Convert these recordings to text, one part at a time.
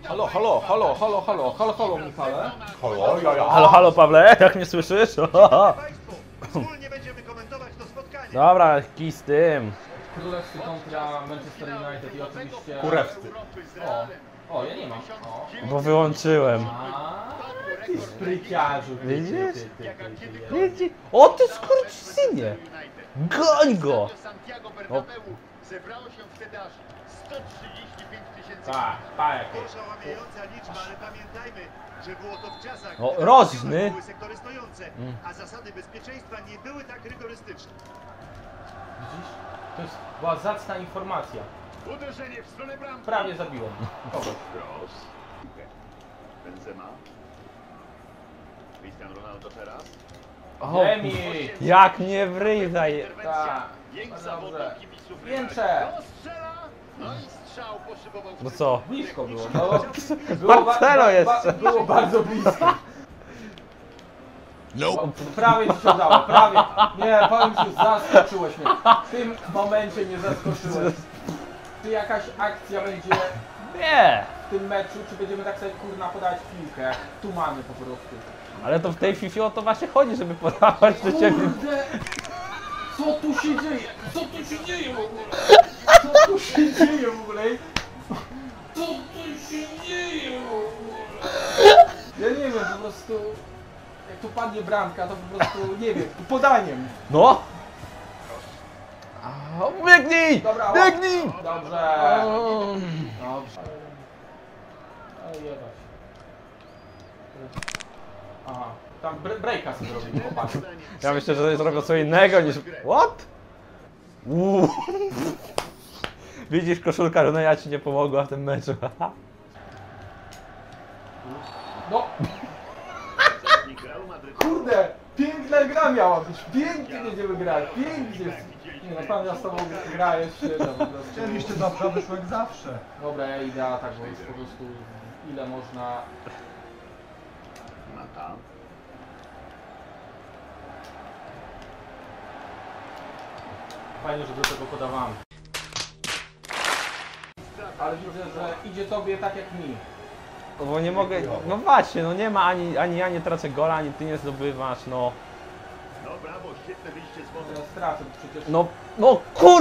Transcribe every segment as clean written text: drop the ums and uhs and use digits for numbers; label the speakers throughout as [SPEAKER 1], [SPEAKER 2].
[SPEAKER 1] Halo, halo, halo, halo, halo, halo, halo, Michale.
[SPEAKER 2] Halo, ja.
[SPEAKER 3] Halo, halo Pawle, jak mnie słyszysz?
[SPEAKER 4] Wspólnie będziemy komentować to spotkanie.
[SPEAKER 3] Dobra, kij z tym.
[SPEAKER 1] Królewski kontra Manchester United i oczywiście...
[SPEAKER 2] Kurewscy.
[SPEAKER 1] O, ja nie mam. O.
[SPEAKER 3] Bo wyłączyłem.
[SPEAKER 1] Ty spryciarzu.
[SPEAKER 3] Widzisz? Widzisz? O ty skurczysynie! Goń go! O.
[SPEAKER 4] Zebrało się wtedy aż 135 000.
[SPEAKER 1] Tak, tak.
[SPEAKER 4] Oszałamiająca liczba, ale pamiętajmy, że było to w czasach,
[SPEAKER 3] O,
[SPEAKER 4] gdy
[SPEAKER 3] rożny.
[SPEAKER 4] były sektory stojące, a zasady bezpieczeństwa nie były tak rygorystyczne.
[SPEAKER 1] Widzisz? To była zacna informacja.
[SPEAKER 4] Uderzenie w stronę bramki.
[SPEAKER 1] Prawie zabiłem. Kogo?
[SPEAKER 4] Cross. Benzema. Cristiano Ronaldo teraz.
[SPEAKER 3] O,
[SPEAKER 1] Emi!
[SPEAKER 3] jak mnie w ryj zaje...
[SPEAKER 1] Tak.
[SPEAKER 4] Jęk
[SPEAKER 1] Dobrze.
[SPEAKER 4] zawodów kibiców.
[SPEAKER 1] Więcze!
[SPEAKER 4] Strzela. No i strzał poszybował.
[SPEAKER 3] No co?
[SPEAKER 1] Blisko było. No,
[SPEAKER 3] Marcelo jeszcze.
[SPEAKER 1] Było bardzo blisko. Prawie ci się udało, prawie. Nie, powiem ci, zaskoczyłeś mnie. W tym momencie mnie zaskoczyłeś. Czy jakaś akcja będzie
[SPEAKER 3] Nie!
[SPEAKER 1] w tym meczu, czy będziemy tak sobie kurna podawać piłkę? Tumany po prostu.
[SPEAKER 3] Ale to w tej FIFA o to właśnie chodzi, żeby podawać do ciebie.
[SPEAKER 1] Kurde! Co tu się dzieje? Co tu się dzieje w ogóle? Co tu się dzieje w ogóle? Co tu się dzieje w ogóle? Ja nie wiem, po prostu... Jak tu padnie bramka, to po prostu, nie wiem, podaniem.
[SPEAKER 3] No! A, biegnij!
[SPEAKER 1] Dobra,
[SPEAKER 3] Biegnij!
[SPEAKER 1] Dobrze. Dobrze. Ale jebać. Aha, tam breaka sobie robili, chłopaki.
[SPEAKER 3] Ja myślę, że zrobią co innego niż... What? Widzisz, koszulka Roneja ci nie pomogła w tym meczu.
[SPEAKER 1] No! Kurde! Piękna gra miała być! Pięknie będziemy grać! Pięknie! Nie no, pan ja z tobą gra jest świetna po prostu.
[SPEAKER 2] Chcieliście dobrze, wyszło jak zawsze.
[SPEAKER 1] Dobra, ja idę tak, bo jest po prostu ile można...
[SPEAKER 4] Mata.
[SPEAKER 1] Fajnie, że do tego podawałem. Ale widzę, że idzie tobie tak jak mi.
[SPEAKER 3] No bo nie mogę... No właśnie, no nie ma ani ja nie tracę gola, ani ty nie zdobywasz, no.
[SPEAKER 4] No brawo, świetne wyjście z wody.
[SPEAKER 1] Ja stracę przecież.
[SPEAKER 3] No kur...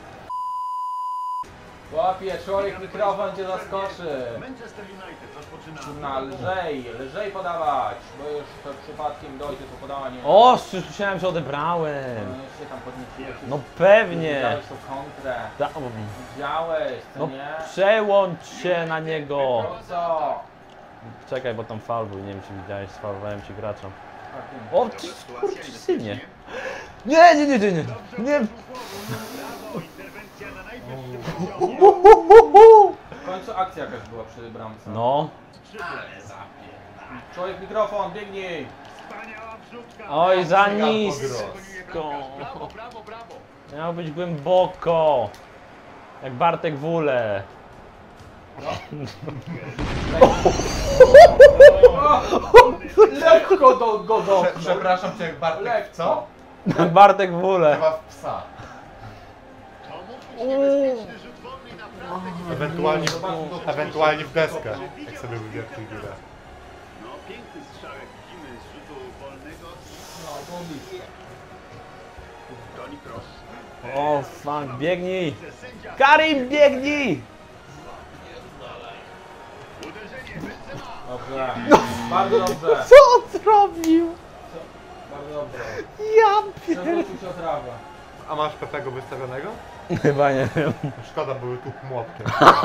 [SPEAKER 1] Łapie, człowiek mikrofon cię zaskoczy.
[SPEAKER 4] Manchester United rozpoczyna.
[SPEAKER 1] Kurna, lżej podawać, bo już to przypadkiem dojdzie to podanie.
[SPEAKER 3] O, słyszałem, że odebrałem.
[SPEAKER 1] No jeszcze tam podnieciłeś.
[SPEAKER 3] No pewnie.
[SPEAKER 1] Widziałeś tą kontrę. Widziałeś, co
[SPEAKER 3] No
[SPEAKER 1] nie?
[SPEAKER 3] przełącz się na niego.
[SPEAKER 1] No co?
[SPEAKER 3] Czekaj, bo tam faul był, nie wiem czy widziałeś, sfaulowałem ci gracza.
[SPEAKER 1] Tak, wiem.
[SPEAKER 3] O, ty skurczysynie. Nie. Nie.
[SPEAKER 4] Brawo, interwencja na najwyższym poziomie.
[SPEAKER 1] W końcu akcja jakaś była przy bramce.
[SPEAKER 3] No.
[SPEAKER 1] Człowiek mikrofon, biegnij!
[SPEAKER 4] Wspaniała wrzutka.
[SPEAKER 3] Oj, za nisko.
[SPEAKER 4] Brawo, brawo, brawo.
[SPEAKER 3] Miało być głęboko. Jak Bartek Wule.
[SPEAKER 1] Lekko go dotknął.
[SPEAKER 2] Przepraszam cię, jak Bartek.
[SPEAKER 1] Lekko.
[SPEAKER 2] Co?
[SPEAKER 3] Jak Bartek Wule.
[SPEAKER 2] Chyba w psa.
[SPEAKER 4] To mógł być niebezpieczny rzut wolny, naprawdę.
[SPEAKER 2] Ewentualnie w deskę, jak sobie wywiercił górę.
[SPEAKER 4] No, piękny strzał, jak widzimy z rzutu wolnego.
[SPEAKER 1] No, to blisko.
[SPEAKER 4] Toni Kroos.
[SPEAKER 3] O, fuck, biegnij.
[SPEAKER 4] Sędzia.
[SPEAKER 3] Karim, biegnij.
[SPEAKER 4] Uderzenie, Benzema.
[SPEAKER 1] Dobrze. Bardzo dobrze.
[SPEAKER 3] Co on zrobił?
[SPEAKER 1] Bardzo dobrze.
[SPEAKER 3] Ja
[SPEAKER 1] Przewrócił się o trawę.
[SPEAKER 2] A masz Pepego wystawionego?
[SPEAKER 3] Chyba nie wiem.
[SPEAKER 2] Szkoda, były tu młotkiem.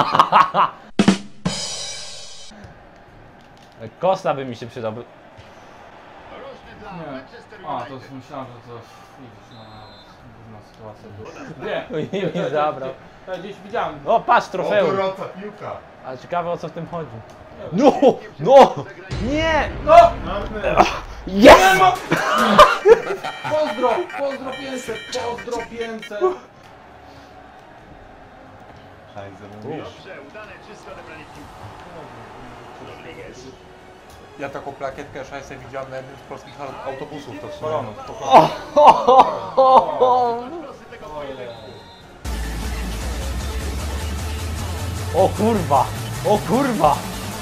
[SPEAKER 3] Kosta by mi się przydał.
[SPEAKER 4] Rożny dla
[SPEAKER 1] Nie.
[SPEAKER 4] Manchester
[SPEAKER 1] A,
[SPEAKER 4] United.
[SPEAKER 1] to myślałem, że to widzisz, no, sytuacja była. Nie,
[SPEAKER 3] I mi zabrał.
[SPEAKER 1] Ja gdzieś widziałem.
[SPEAKER 3] O, patrz,
[SPEAKER 2] O,
[SPEAKER 3] trofeum.
[SPEAKER 2] gorąca piłka.
[SPEAKER 3] Ale ciekawe o co w tym chodzi. No! Nie!
[SPEAKER 1] No!
[SPEAKER 3] Yes!
[SPEAKER 1] Pozdro 500, pozdro 500.
[SPEAKER 4] Dobrze, udane, czysto odebranie piłki. Rodriguez.
[SPEAKER 2] Ja taką plakietkę szajsę widziałem na jednym z polskich autobusów. To
[SPEAKER 1] Spalony,
[SPEAKER 3] O,
[SPEAKER 4] Losy tego pojedynku.
[SPEAKER 3] o kurwa! O kurwa!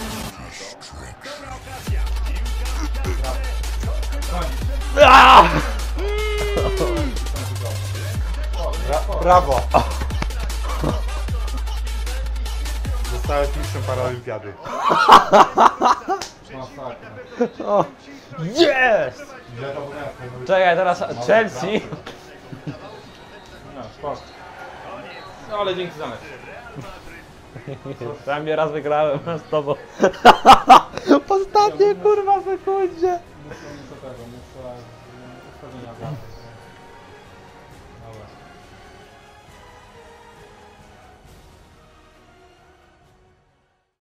[SPEAKER 3] Aaaa!
[SPEAKER 2] Brawo! Zostałeś mistrzem paraolimpiady.
[SPEAKER 1] Masakra.
[SPEAKER 3] O, jest! Czekaj, teraz Chelsea.
[SPEAKER 1] No, sport. No ale dzięki za mecz.
[SPEAKER 3] Tam mnie raz wygrałem z tobą. W ostatniej kurwa sekundzie.
[SPEAKER 1] Muszę tego, muszę ustawienia dla. Dobra.